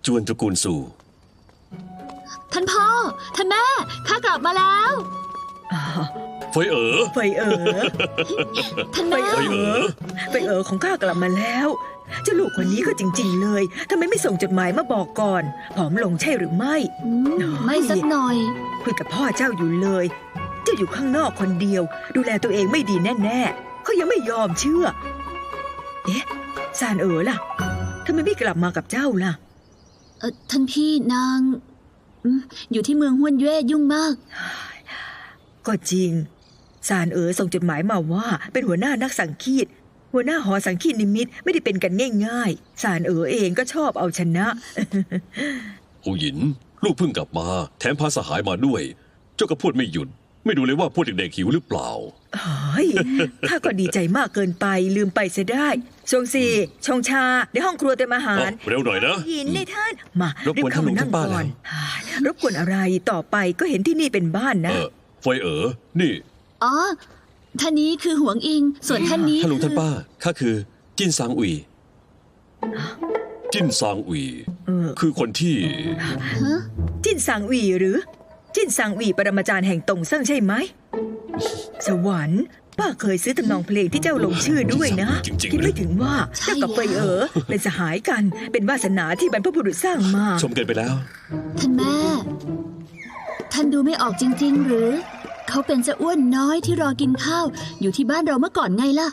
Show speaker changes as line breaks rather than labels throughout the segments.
จวนตระกูลสู่
ท่านพ่อท่านแม่ข้ากลับมาแล้ว
เฟยเอ๋อ
ท่านแม่
เฟยเอ๋อ
ของข้ากลับมาแล้วเจ้าลูกคนนี้ก็จริงๆเลยทำไมไม่ส่งจดหมายมาบอกก่อนผอมลงใช่หรือไม่
ไม่สักหน่อย
คุยกับพ่อเจ้าอยู่เลยเจ้าอยู่ข้างนอกคนเดียวดูแลตัวเองไม่ดีแน่ๆเขายังไม่ยอมเชื่อเอ๊ะซานเอ๋อล่ะทำไมไม่กลับมากับเจ้าล่ะ
ท่านพี่นางอยู่ที่เมืองฮวนเย่ยุ่งมาก
ก็จริงซานเอ๋อส่งจดหมายมาว่าเป็นหัวหน้านักสังคีตหัวหน้าหอสังคีตนิมิตไม่ได้เป็นกันง่ายๆซานเอ๋อเองก็ชอบเอาชนะ
หูหยินลูกเพิ่งกลับมาแถมพาสหายมาด้วยเจ้าก็พูดไม่หยุดไม่ดูเลยว่าพวกเด็กๆหิวหรือเปล่า
เฮ้ยข้าก็ดีใจมากเกินไปลืมไปเสียได้ชงซีชงชาในห้องครัวเต็มอาหาร
เร็วหน่อยนะ
หินในท่านมารีบเข้ามานั่งก่อนรบกวนอะไรต่อไปก็เห็นที่นี่เป็นบ้านนะ
เฟยเอ๋อนี่
อ๋อท่านนี้คือหวงอิงส่วนท่านนี้
ท่านลุงท่านป้าข้าคือจิ้นซางอุ๋ยจิ้นซางอุ๋ยคือคนที่
จิ้นซางอุ๋ยหรือจิ้นซางอุ๋ยปรมาจารย์แห่งตงเซิ่งใช่ไหมสวรรค์ป้าเคยซื้อทำนองเพลงที่เจ้าลงชื่อด้วยนะคิดไม่ถึงว่าเจ้ากับเฟยเอ๋อเป็นสหายกันเป็นวาสนาที่บรรพบุรุษสร้างมา
ชมเกินไปแล้ว
ท่านแม่ท่านดูไม่ออกจริงๆหรือเขาเป็นเจ้าอ้วนน้อยที่รอกินข้าวอยู่ที่บ้านเราเมื่อก่อนไงล่ะ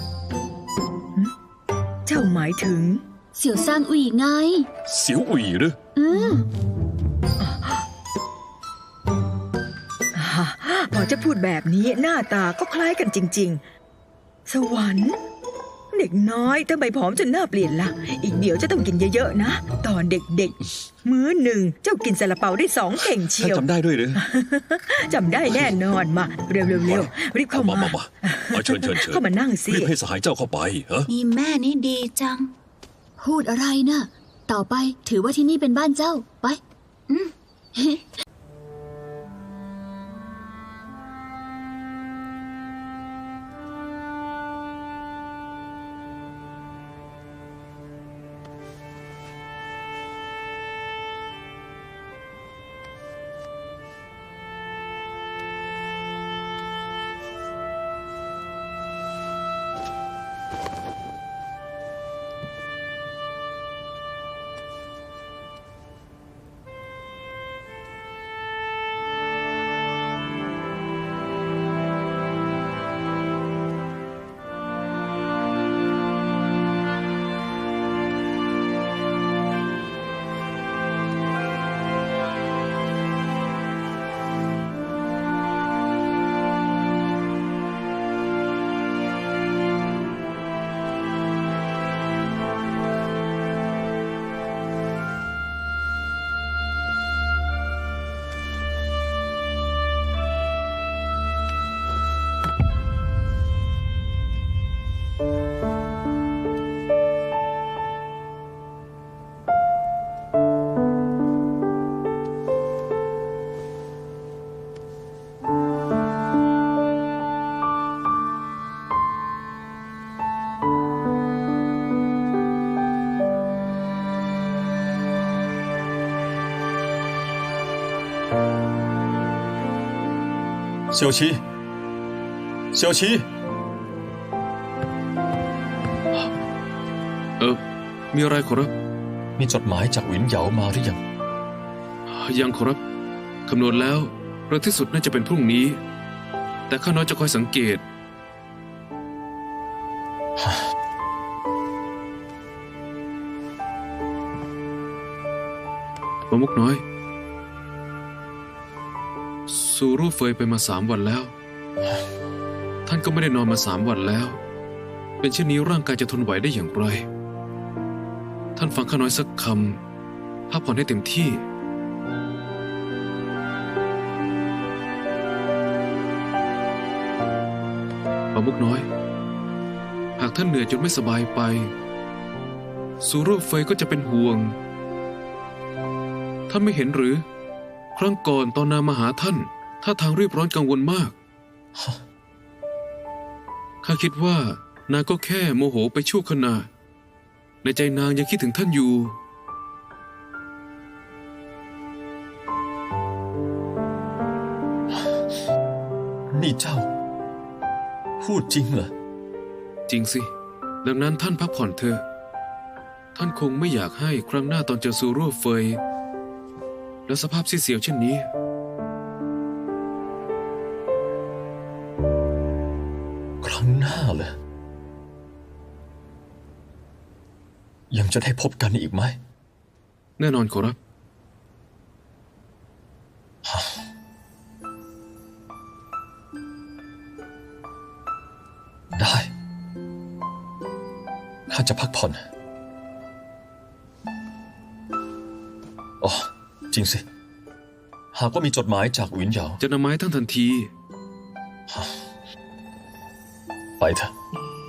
เจ้าหมายถึง
เสี่ยวซางอุ๋ยไง
เสี่ยวอุ๋ยหรือ
พอจะพูดแบบนี้หน้าตาก็คล้ายกันจริงๆสวรรค์เด็กน้อยทำไมผอมจนหน้าเปลี่ยนล่ะอีกเดี๋ยวจะต้องกินเยอะๆนะตอนเด็กๆมื้อหนึ่งเจ้ากินซาลาเปาได้2 เข่งเชียว
จำได้ด้วยหรือ
จำได้แน่นอนมาเร็วๆรีบเข้ามา
เชิญ
เข้ามานั่งสิ
รีบให้สหายเจ้าเข้าไป
นี่แม่นี่ดีจังพูดอะไรนะต่อไปถือว่าที่นี่เป็นบ้านเจ้าไป
เสี่ยวชี
มีอะไรขอรับ
มีจดหมายจากหวินเหยามาหรือยัง
ยังขอรับคำนวณแล้วเร็วที่สุดน่าจะเป็นพรุ่งนี้แต่ข้าน้อยจะคอยสังเกตมะมุกน้อยซูรูเฟยไปมา3 วันแล้วท่านก็ไม่ได้นอนมา3 วันแล้วเป็นเช่นนี้ร่างกายจะทนไหวได้อย่างไรท่านฟังข้าน้อยสักคำพักผ่อนให้เต็มที่มะมุกน้อยหากท่านเหนื่อยจนไม่สบายไปซูรูเฟยก็จะเป็นห่วงท่านไม่เห็นหรือครั้งก่อนตอนนางมาหาท่านท่าทางรีบร้อนกังวลมากข้าคิดว่านางก็แค่โมโหไปชั่วขณะในใจนางยังคิดถึงท่านอยู่
นี่เจ้า พูดจริงเหรอ
จริงสิ ดังนั้นท่านพักผ่อนเถอะ ท่านคงไม่อยากให้ครั้งหน้าตอนเจอซูรั่วเฟย และสภาพซีดเสียวเช่นนี้
ครั้งหน้าเหรอยังจะได้พบกันอีกไหม
แน่นอนขอรับ
ได้ข้าจะพักผ่อนอ๋อจริงสิ หากว่ามีจดหมายจากหวินเหยา
จะนำมาให้ท่านทันที
ไปเถอะ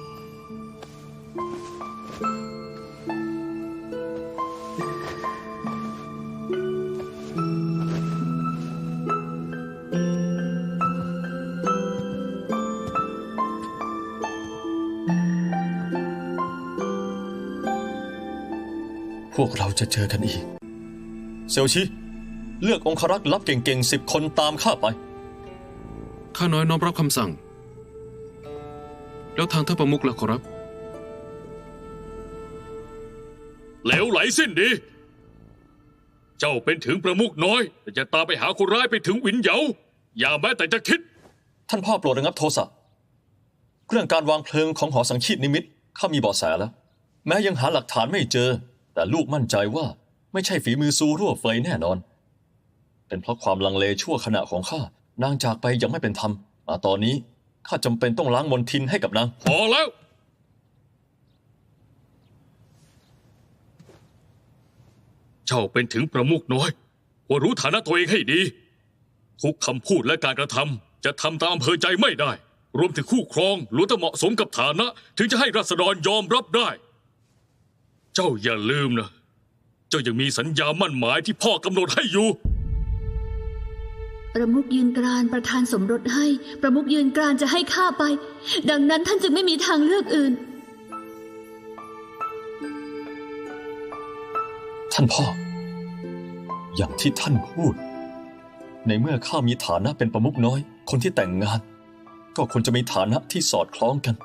พวกเราจะเจอกันอีก เซลชิ เลือกองครักษ์ลับเก่งๆ10 คนตามข้าไป
ข้าน้อยน้อมรับคำสั่ง แล้วทางท่านประมุขล่ะขอรับ
เหลวไหลสิ้นดี เจ้าเป็นถึงประมุขน้อยแต่จะตามไปหาคนร้ายไปถึงหวินเหยาอย่าแม้แต่จะคิด
ท่านพ่อโปรดระงับโทสะเรื่องการวางเพลิงของหอสังคีตนิมิตข้ามีเบาะแสแล้ว แม้ยังหาหลักฐานไม่เจอ แต่ลูกมั่นใจว่าไม่ใช่ฝีมือซูรั่วเฟยแน่นอน เป็นเพราะความลังเลชั่วขณะของข้านางจากไปยังไม่เป็นธรรมมาตอนนี้ข้าจำเป็นต้องล้างมนทินให้กับนาง
พอแล้ว เจ้าเป็นถึงประมุขน้อยควรรู้ฐานะตัวเองให้ดีทุกคำพูดและการกระทำจะทำตามอำเภอใจไม่ได้ รวมถึงคู่ครองล้วนต้องเหมาะสมกับฐานะ ถึงจะให้ราษฎรยอมรับได้ เจ้าอย่าลืมนะ เจ้ายังมีสัญญามั่นหมายที่พ่อกำหนดให้อยู่
ประมุขยืนกรานประธานสมรสให้ ประมุขยืนกรานจะให้ข้าไป ดังนั้นท่านจึงไม่มีทางเลือกอื่น
ท่านพ่อ อย่างที่ท่านพูด ในเมื่อข้ามีฐานะเป็นประมุขน้อย คนที่แต่งงาน ก็ควรจะมีฐานะที่สอดคล้องกัน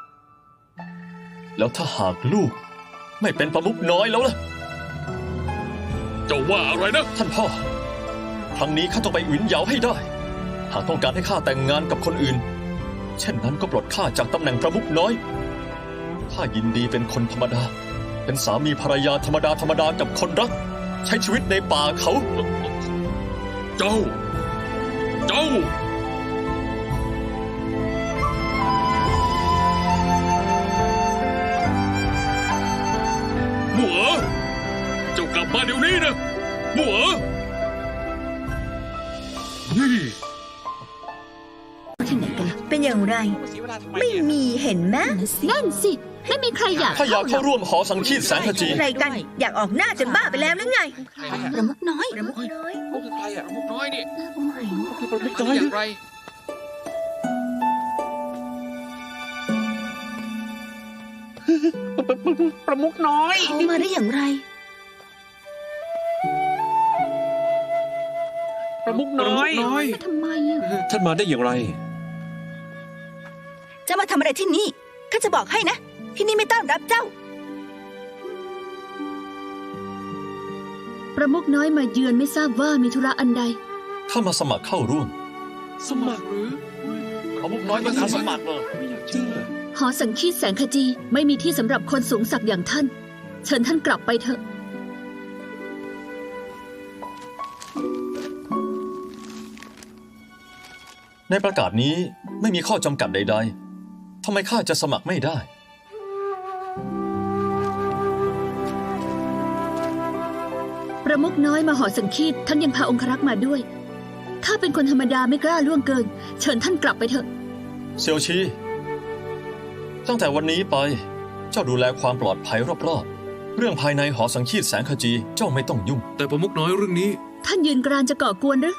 แล้วถ้าหากลูกไม่เป็นประมุขน้อยแล้วล่ะ
เจ้าว่าอะไรนะ
ท่านพ่อ ครั้งนี้ข้าต้องไปหวินเหยาให้ได้ หากต้องการให้ข้าแต่งงานกับคนอื่น เช่นนั้นก็ปลดข้าจากตำแหน่งประมุขน้อยข้ายินดีเป็นคนธรรมดา เป็นสามีภรรยาธรรมดากับคนรัก ใช้ชีวิตในป่าเขา
เจ้า หมัวเจ้ากลับมาเดี๋ยวนี้นะหมัวนี่
ที่ไหนกันล่ะ
เป็นอย่างไร ไม่มีเห็นไหม
นั่นสิ ไม่มีใครอยาก
ถ้าอยากเข้าร่วมหอสังคีตแสงขจี
ใครกัน อยากออกหน้าจนบ้าไปแล้วหรือไง
ประมุขน้อย
ประมุขน้อย
เขาคือใครอ่ะประมุขน้อยนี่
โอ้ย
คือประมุขน้อยอย่างไร ประมุขน้อย
เขามาได้อย่างไร
ประมุขน้อย
ทำไมอ่ะ
ท่านมาได้อย่างไร
จะมาทำอะไรที่นี่ ข้าจะบอกให้นะ ที่นี่ไม่ต้อนรับเจ้า
ประมุขน้อยมาเยือนไม่ทราบว่ามีธุระอันใด
ข้ามาสมัครเข้าร่วม
สมัครหรือ
ประมุขน้อยมาสมัครเหรอ
ไม่อยากเชื่อ
หอสังคีตแสงขจีไม่มีที่สำหรับคนสูงศักดิ์อย่างท่าน เชิญท่านกลับไปเถอะ
ในประกาศนี้ไม่มีข้อจำกัดใดๆ ทำไมข้าจะสมัครไม่ได้
ประมุขน้อยมาหอสังคีตท่านยังพาองครักษ์มาด้วยข้าเป็นคนธรรมดาไม่กล้าล่วงเกิน เชิญท่านกลับไปเถอะ
เซียวชี ตั้งแต่วันนี้ไป เจ้าดูแลความปลอดภัยรอบๆ เรื่องภายในหอสังคีตแสงขจีเจ้าไม่ต้องยุ่ง
แต่ประมุขน้อยเรื่องนี้
ท่านยืนกรานจะก่อกวนหรือ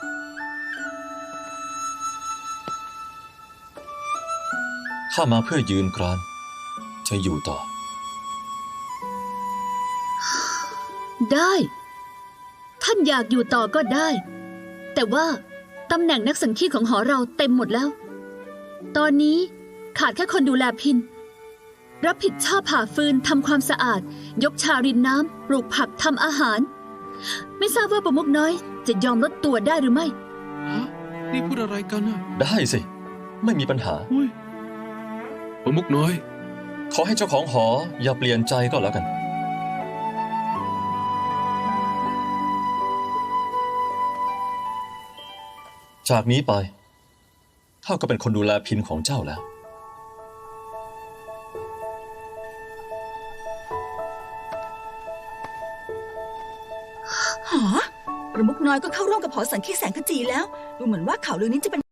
ข้ามาเพื่อยืนกราน จะอยู่ต่อ
ได้ ท่านอยากอยู่ต่อก็ได้ แต่ว่าตำแหน่งนักสังคีตของหอเราเต็มหมดแล้ว ตอนนี้ขาดแค่คนดูแลพิน รับผิดชอบผ่าฟืนทำความสะอาด ยกชารินน้ำปลูกผักทำอาหาร ไม่ทราบว่าประมุขน้อยจะยอมลดตัวได้หรือไม่
ฮะ นี่พูดอะไรกันอะ
ได้สิ ไม่มีปัญหา
อุ้ยประมุขน้อย
ขอให้เจ้าของหออย่าเปลี่ยนใจก็แล้วกัน จากนี้ไปเท่าก็เป็นคนดูแลพินของเจ้าแล้ว
หอประมุขน้อยก็เข้าร่วมกับหอสังคีแสงขจีแล้ว ดูเหมือนว่าข่าวลือนี้จะเป็น